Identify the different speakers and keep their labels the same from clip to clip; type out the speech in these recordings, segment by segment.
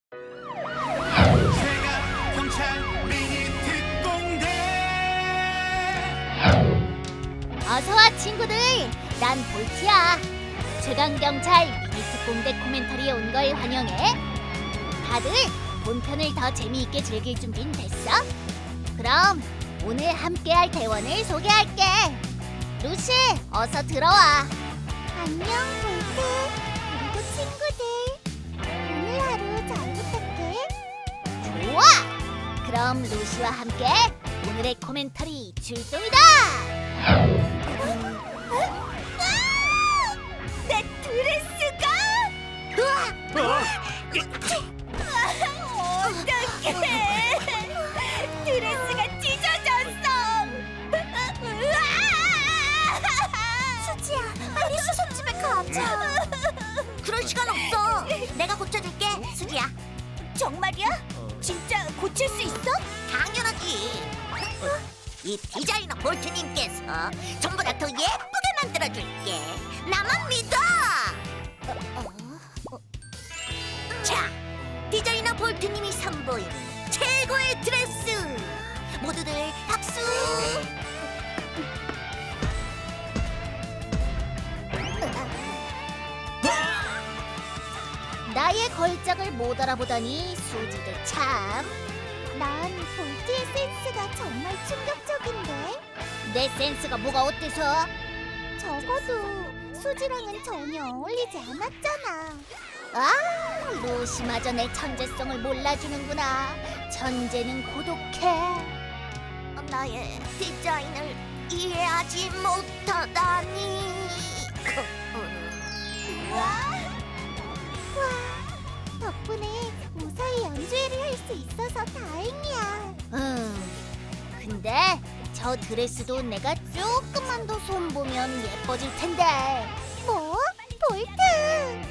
Speaker 1: 제가 경찰 미니 특공대.
Speaker 2: 어서와 친구들, 난 볼트야. 최강경찰 미니특공대 코멘터리에 온 걸 환영해. 다들 본편을 더 재미있게 즐길 준비는 됐어? 그럼 오늘 함께할 대원을 소개할게. 루시, 어서 들어와. 안녕 볼트, 그리고 친구들. 오늘 하루 잘 부탁해. 좋아! 그럼 루시와 함께 오늘의 코멘터리 출동이다! 내 드레스가! 어떡해! 드레스가 찢어졌어! 수지야, 빨리 수선집에 가자. 그럴 시간 없어. 내가 고쳐줄게, 수지야. 정말이야? 진짜 고칠 수 있어?
Speaker 3: 당연하지. 이 디자이너 볼트님께서 전부 다 더 예쁘게 만들어줄게. 나만 믿어. 자, 디자이너 볼트님이 선보이는 최고의 드레스. 모두들 박수.
Speaker 2: 나의 걸작을 못 알아보다니 수지도 참. 난 볼트의 센스가 정말 충격적인데. 내 센스가 뭐가 어때서? 적어도 수지랑은 전혀 어울리지 않았잖아. 아, 루시마저 내 천재성을 몰라주는구나. 천재는 고독해.
Speaker 3: 나의 디자인을 이해하지 못하다니.
Speaker 2: 와, 덕분에 무사히 연주회를 할 수 있어서 다행이야. 근데 저 드레스도 내가 조금만 더 손보면 예뻐질 텐데. 뭐? 볼트!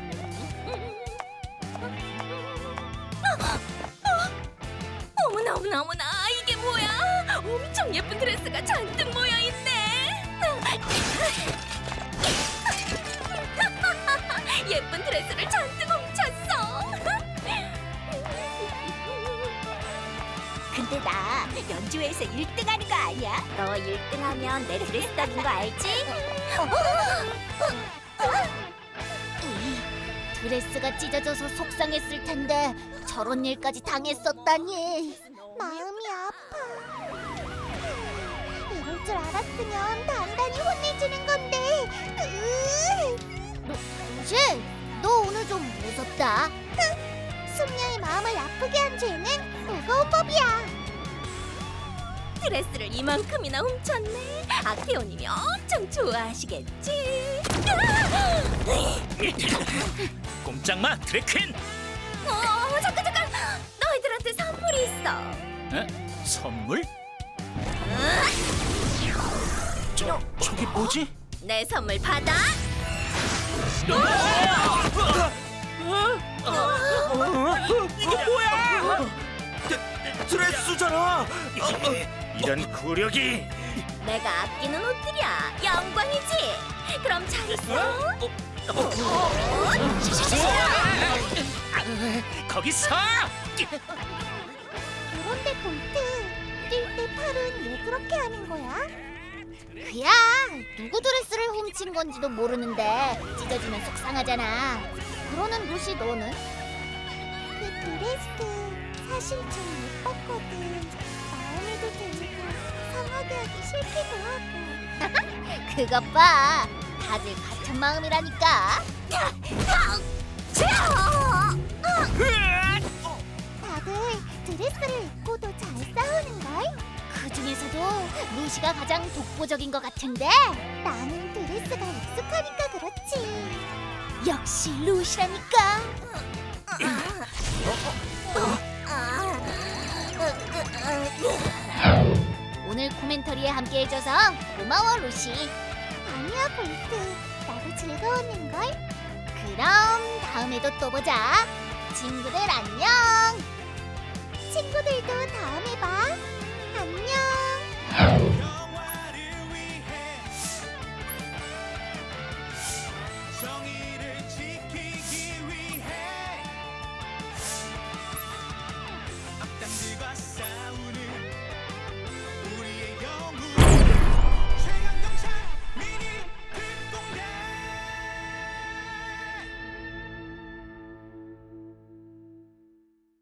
Speaker 4: 어머나 어머나 어머나, 이게 뭐야? 엄청 예쁜 드레스가 잔뜩 모여있네. 예쁜 드레스를 잔뜩 훔쳤어.
Speaker 2: 근데 나 연주회에서 1등하는 거 아니야?
Speaker 4: 너 1등하면 내 드레스 따는 거 알지?
Speaker 2: 드레스가 찢어져서 속상했을 텐데 저런 일까지 당했었다니. 마음이 아파. 이럴 줄 알았으면 단단히 혼내주는 건데. 루시, 너 오늘 좀 무섭다. 숙녀의 마음을 아프게 한 죄는 무거운 법이야.
Speaker 4: 드레스를 이만큼이나 훔쳤네. 아케오님이 엄청 좋아하시겠지.
Speaker 1: 꼼짝마 드래퀸.
Speaker 4: 잠깐. 너희들한테 선물이 있어.
Speaker 1: 에? 선물? 저게 뭐지?
Speaker 4: 내 선물 받아.
Speaker 1: 이게 뭐야? 드레스잖아. 이런 구력이.
Speaker 4: 내가 아끼는 옷들이야. 영광이지. 그럼 잘 있어.
Speaker 1: 거기서.
Speaker 2: 그런데 볼트, 뛸 때 팔은 왜 그렇게 하는 거야? 그야, 누구 드레스를 훔친 건지도 모르는데 찢어지면 속상하잖아. 그러는 루시, 너는? 그 드레스 사실 좀 예뻤거든. 마음에도 들고 상하게 하기 싫기도 하고. 그것 봐, 다들 같은 마음이라니까. 다들 드레스를 입고도 잘 싸우는걸? 그 중에서도 루시가 가장 독보적인 것 같은데. 나는 드레스가 익숙하니까 그렇지. 역시 루시라니까. 오늘 코멘터리에 함께 해줘서 고마워, 루시. 아니야, 볼트. 나도 즐거웠는걸. 그럼 다음에도 또 보자. 친구들 안녕. 친구들도 다음에 봐. 안녕.